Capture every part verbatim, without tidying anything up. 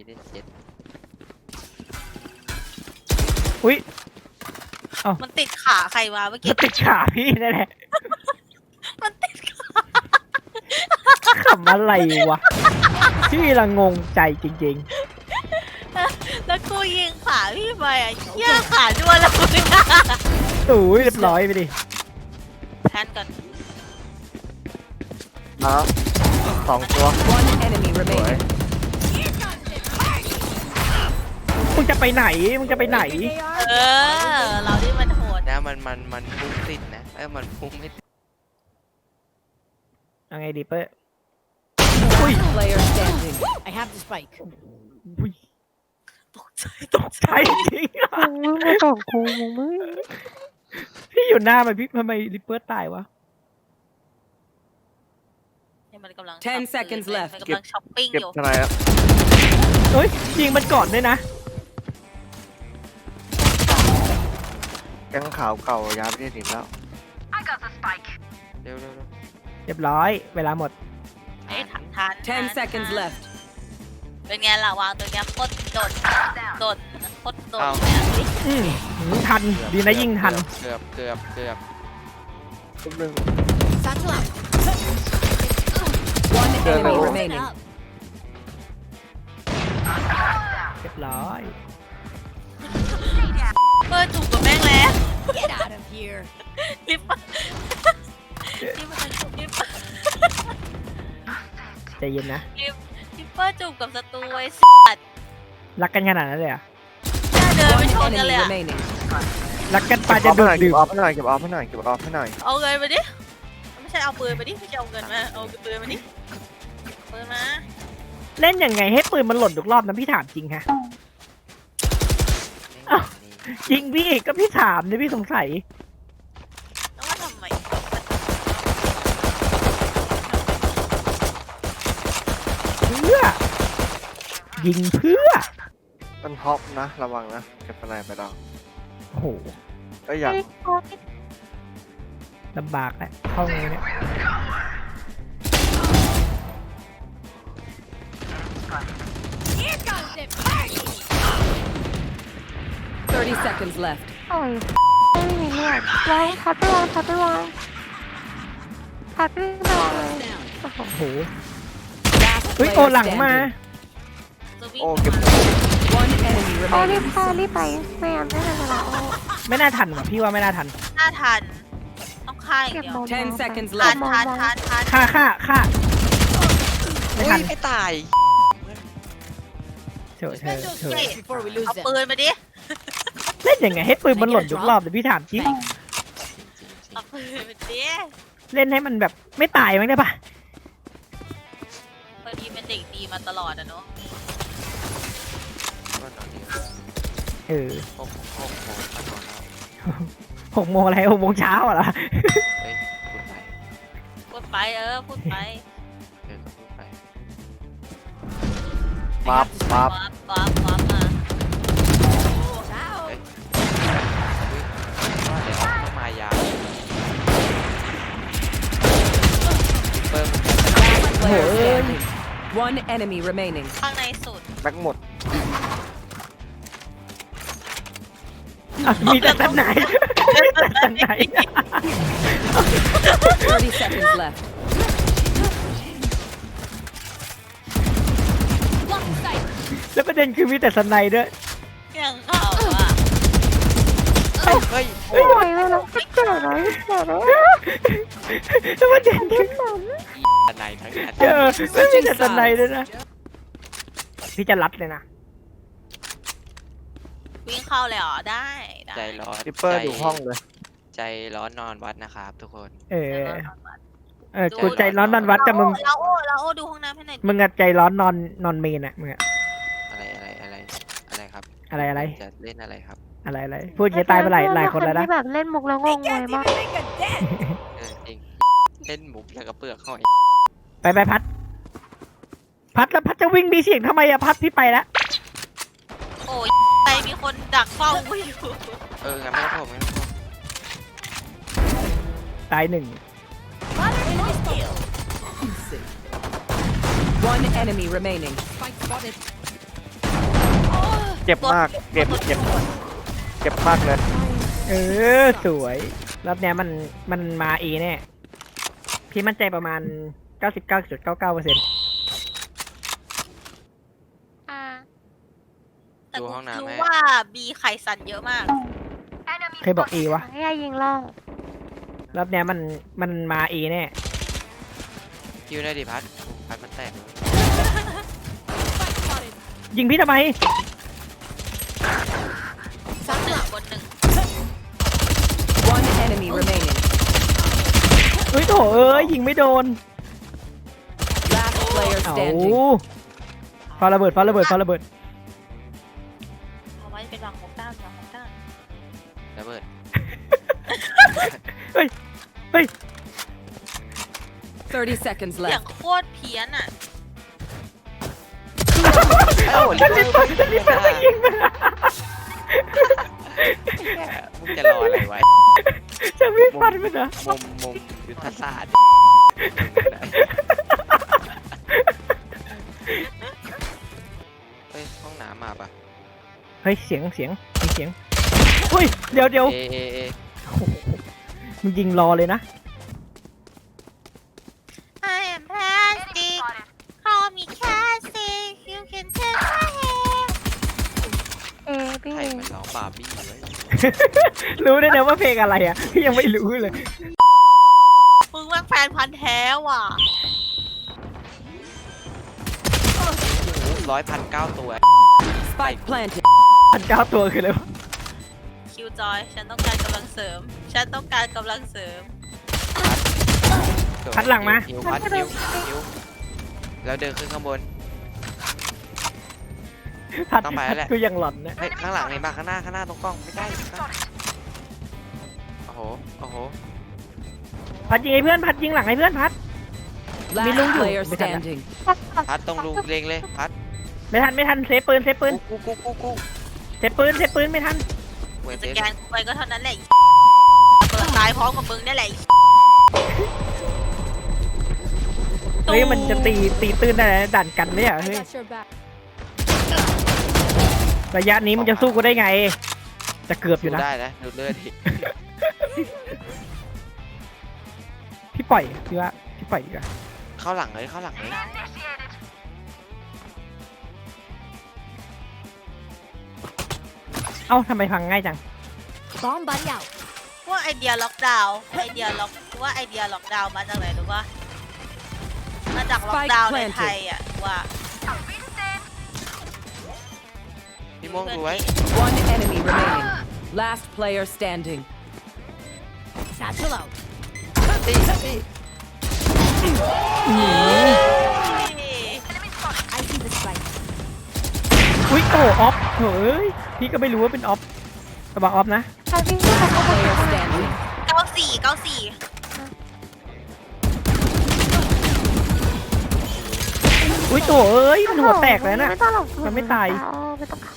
ได้เจ็ดอุ้ยมันติดขาใครวะเมื่อกี้ติดขาพี่นั่นแหละมันติดขาขำอะไรวะพี่ละงงใจจริงแล้วกูยิงขาพี่ไปอ่ะเหี้ยขาด้วนแล้วมึงๆโอ้ยเรียบร้อยไปดิแทนก่อนมาสองตัว One enemy remaining. มึงจะไปไหนมึงจะไปไหนเออเราที่มันโหดนะมันมันมันพุ่งติดนะเออมันพุ่งไม่ติดยังไงดีเป้ Player standing. I have the spike. อุ้ยตกใจตกใจจริงอะมึงไม่ตอบกูมึงไม่พี่อยู่หน้ามันพี่ทำไมริปเปอร์ตายวะเนี่ยมันกำลัง Ten ช็อป seconds ปืน left มันกำลังช้อปปิ้งเก็บอยู่ทนายแล้วเฮ้ยยิงมันก่อนด้วยนะแก๊งขาวเก่าย้ายไปที่ถิ่นแล้วเร็วเร็วเร็วเรียบร้อยเวลาหมดเอ้ยทันทัน Ten seconds left. เป็นไงล่ะวางตัวเนี้ยโคตรโดดโดดโคตรโดดเลยอะอืมทันดีนะยิงทันเกือบเกือบเกือบทุกหนึ่ง Satchel out. One Good enemy lord. remaining. Up. เรียบร้อยเปิดถูกกับแม่งแล้ว Get out of here. ลิปลิปลิปใจเย็นนะลิปเปอร์จูบกับศัตรูไอ้สัตว์รักกันขนาดนั้นเลยเหรอ่ะน่าเดินไป One ชนกันเลย enemy อะ remaining. รักกันปาเก็บจะออฟดูให้ดหน่อยดื่เก็มบออฟให้หน่อยเก็บออฟให้หน่อยเก็บออฟให้หน่อยเอาเงินมาดิ ไม่ใช่เอาปืนมาดิ ไม่ใช่เอาเงินมา เอาปืนมาดิปืนมาเล่นยังไงให้ปืนมันหล่นทุกรอบนะพี่ถามจริงฮะ อ้าว จริงพี่ก็พี่ถามเนี่ยพี่สงสัยแล้วว่าทำไมเพื่อ ยิงเพื่อมันฮอปนะระวังนะเก็บทนายไปแล้วโอ้โหเอ้ยอย่างลำบากแหละเข้าไงเนี่ย Thirty seconds left. โอ้ยไม่มีเลือดวางพัดไปวางพัดไปวางพัดไปวางเลยโอ้โห Last เฮ้ย player โอหลังมา standing. จะวิ่งโอ้เก็บ One enemy โอ้รีบ remaining. เข้ารีบไปไม่งั้นไม่ทันเวลาโอ้ไม่น่าทันว่ะพี่ว่าไม่น่าทันหน้าทัน ต้องฆ่าอย่างเก็บเดียวบอล Ten seconds ทัน left. ทันทันทันฆ่าฆ่าฆ่าไม่เฮ้ทัยนไม่ตายเถอะเถอะเถอะ Before we lose เอา them. ปืนมาดิเล่นยังไงให้ปืนมันหล่นทุกรอบเลยพี่ถามจริงเอาปืนมาดิเล่นให้มันแบบไม่ตายมั้งได้ปะพอดีเป็นเด็กดีมาตลอดอะเนาะก็นอนดีเออหกหกโมงตอนแล้วหกโมงอะไรหกโมงเช้าเหรอเฮ้ยพูดไปพูดไปเออ พูดไปเดี๋ยวก็พูดไปปั๊บปั๊บว้าบว้าบว้าบมาเฮ้ยว่าเดี๋ยวต้องมายาวเปิ้ล Player standing. One enemy remaining. ข้างในสุดแบ็กหมดอ่ะมีแต่ตันไหนแต่ตันไหน Thirty seconds left. Block sight. แล้วประเด็นคือมีแต่สไนด์ด้วยอย่างเขาอ่ะเฮ้ยโอ้ยเวลาเกิดอะไรเกิดอะไรแล้วประเด็นคืออันไหนทั้งนั้นเออไม่มีแต่สไนด์ด้วยนะพี่จะรัดเลยนะวิ่งเข้าเลยเหรอ ได้ได้ใจร้อนริปเปอร์อยู่ห้องเลยใจร้อนนอนวัดนะครับทุกคนเออเออกูใจร้อนนอนวัดกับมึงเราโอ้เราโอ้ดูห้องน้ำให้หน่อยดิมึงอะใจร้อนนอนนอนเมนอะมึงอะอะไรอะไรอะไรอะไรครับอะไรอะไรจะเล่นอะไรครับอะไรอะไรพูดอย่างนี้ตายไปหลายหลายคนแล้วนะที่แบบเล่นมุกแล้วงงงวยมากเออจริงเล่นหมุกแล้วก็เปลือกหอยไปไปพัด พัดแล้วพัดจะวิ่งมีเสียงทำไมอะพัดพี่ไปแล้วโอ้ยใครมีคนดักเฝ้ากูอยู่เอองั้นไม่ต้องผมไม่ต้องผมตายหนึ่ง One enemy remaining. Spike spotted. เจ็บมากเจ็บเจ็บเจ็บมากเลยเออสวยรอบเนี้ยมันมันมาเอแน่พี่มั่นใจประมาณ เก้าสิบเก้าจุดเก้าเก้าเปอร์เซ็นต์อ่าแต่ดูกูห้องน้ำรู้ให้ว่าบีไข่สันเยอะมากใครบอกเอวะให้ยายิงล่องรอบเนี้ยมันมันมาเอแน่คิวได้ดิพัดพัดมันแตกยิงพี่ทำไมหนึ่งบนหนึ่ง One enemy remaining. เฮ้ยโถเอ้ยยิงไม่โดน Last player เอา standing. ฟาระเบิดฟาระเบิดฟาระเบิดเอาไว้เป็นวางของด้านวางของด้านระเบิดเฮ้ยเฮ้ย thirty seconds เสียง left. โคตรเพี้ยนอ่ะเอ้าลิเวอร์พูลมึงจะรออะไรไว้จะไม่ฟันมันเหรอมุมมุมยุทธศาสตร์เฮ้ยห้องน้ำมาปะเฮ้ยเสียงเสียงมีเสียงเฮ้ยเดี๋ยวเดี๋ยวเอเอเอโอ้โหมึงยิงรอเลยนะ I am plastic call me plastic you can take my hair เอพี่ใครมันร้องบาร์บี้ไว้รู้ได้นะว่าเพลงอะไรอ่ะพี่ยังไม่รู้เลยมึงแม่งแฟนพันธ์แท้ว่ะร้อยพันเก้าตัว Spike planted. พันเก้าตัวคืออะไรวะคิวจอย ฉันต้องการกำลังเสริม ฉันต้องการกำลังเสริมพัดหลังมาคิวพัดคิวคิวแล้วเดินขึ้นข้างบนพัดต้องไปแล้วแหละกูยังหลอนนะเฮ้ยข้างหลังเห็นปะข้างหน้าข้างหน้าตรงกล้องไม่ใกล้โอ้โหโอ้โหพัดยิงไอ้เพื่อนพัดยิงหลังไอ้เพื่อนพัด Last Belong to- player Betul tak? standing. พัดตรงรูเล็งเลยพัดไม่ทันไม่ทันเซฟปืนเซฟปืนกูกูกูกูเซฟปืนเซฟปืนไม่ทันเวสเซแกนกูไปก็เท่านั้นแหละเปิดตายพร้อมกับมึงนี่แหละเฮ้ยมันจะตีตีตื้นได้นะดันกันเนี่ย I เฮ้ย got your back. ระยะนี้มันจะสู้กูได้ไง จะเกือบอยู่ดูนะได้นะดูเลือดดิพี่ปล่อยพี่ว่าพี่ปล่อยดีกว่าเข้าหลังเลยเข้าหลังเลยเอ้าทำไมพังง่ายจัง Bomb buddy out. ว่าไอเดียล็อกดาวน์ไอเดียล็อกว่าไอเดียล็อกดาวน์มาจากไหนรู้ป่ะมาจากล็อกดาวน์ในไทยอ่ะว่าพี่ม่วงดูไว้ One enemy remaining. Last player standing. Satchel out. ตีตี I see the spike. อุ้ยโอ้ออฟเฮ้ยพี่ก็ไม่รู้ว่าเป็นออฟระวังออฟนะถ้าพี่ไม่ทำก็ Player standing. เก้าสี่เก้าสี่อุ้ยโตเอ้ยมันหัวแตกแล้วน่ะไม่ต้องหรอกมันไม่ตายเออไม่ต้องเข้า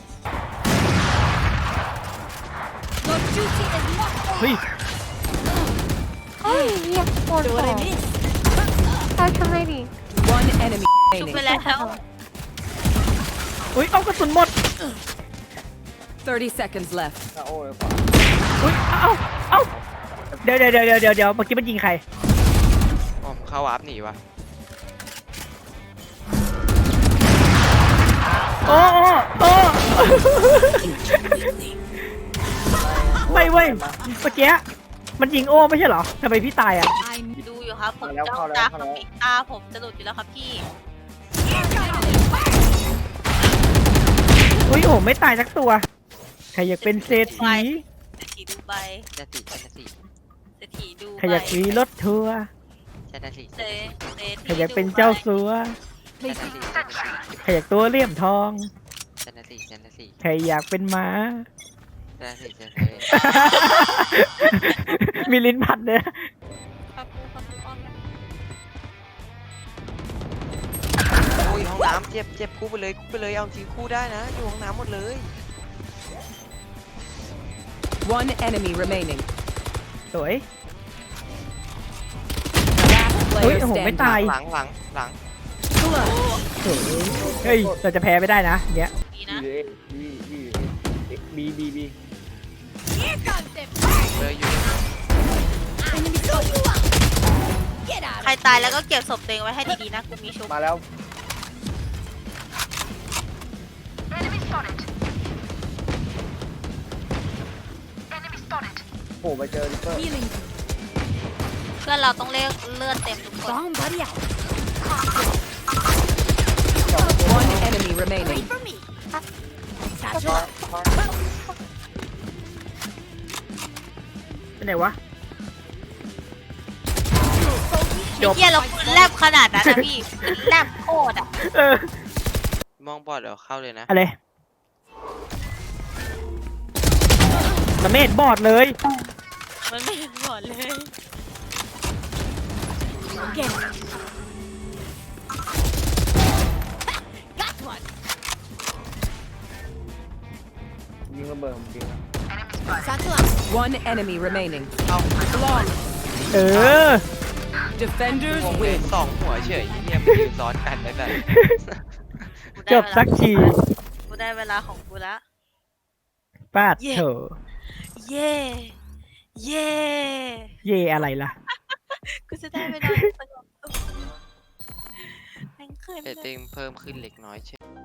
Your duty is not เฮ้ยเฮ้ยเหี้ยโดน Do ส what อ I ง miss. เอาทำไมดิ One enemy ชุบ remaining. ไปแล้วอุ้ยเอากระสุนหมด thirty seconds left. อุ้ยเอ้าเอ้าเดี๋ยวเดี๋ยวเดี๋ยวเดี๋ยวเดี๋ยวเมื่อกี้มันยิงใครอ๋อเข้าวาร์ปหนีวะโอ้โอ้โอ้ไม่เว้ยเมื่อกี้มันยิงโอ้ไม่ใช่เหรอทำไมพี่ตายอ่ะ I'm ดูอยู่ครับผมจ้องตากับปิดตาผมจะหลุดอยู่แล้วครับพี่อุ้ยโอ้ไม่ตายสักตัวใครอยากเป็นเศรษฐีเศรษฐีดูใบชนะสิชนะสิเศรษฐีดูใครอยากมีรถทัวร์ชนะสิเศรษฐีใครอยากเป็นเจ้าสัวชนะสิชนะสิใครอยากตัวเลี่ยมทองชนะสิชนะสิใครอยากเป็นม้าชนะสิชนะสิมีลิ้นพันเนี่ยครับครับครับโอ้ยห้องน้ำเจ็บเจ็บคู่ไปเลยคู่ไปเลยเอาจริงคู่ได้นะอยู่ห้องน้ำหมดเลย One enemy remaining. สวย Last เฮ้ย player โอ้โหไม่ standing. ตายหลังหลังหลังเฮ้ยเราจะแพ้ไม่ได้นะเนี้ยมีดีๆนะบีบีบี Here comes the เลยอยู่ enemy soldier. Get out ใคร of ตายแล้วก็เก็บศพตัวเองไว้ให้ดีๆนะ กูมีชุบมาแล้วโอ้ไปเจอริปเปอร์ healing. เพื่อนเราต้องเลือกเลือดเต็มทุกคน Bomb buddy out. One enemy remaining. Wait for me. Satchel out. เป็นไหนวะไอ้เหี้ยเราปืนแลบขนาดนั้นนะพี่ปืนแลบโคตรอ่ะเออมองบอดเดี๋ยวเข้าเลยนะอะไรมันไม่เห็นบอดเลยมันไม่เห็นหมดเลย Get it. Got one. ยิงระเบิดผมจริงนะ Satchel out. One enemy remaining. เอา Flawless. เออ Defenders งงเลย win. สองหัวเฉยเฮียมันยืนซ้อนกันได้แบบกูจได้บเวลาสักทีกูได้เวลาของกูแล้วปาดเย่เถอะเย่ เย่เย่อะไรล่ะกูจะได้เวลาสงบสุขแม่งเคยเรตติ้งเพิ่มขึ้นเล็กน้อยเช่น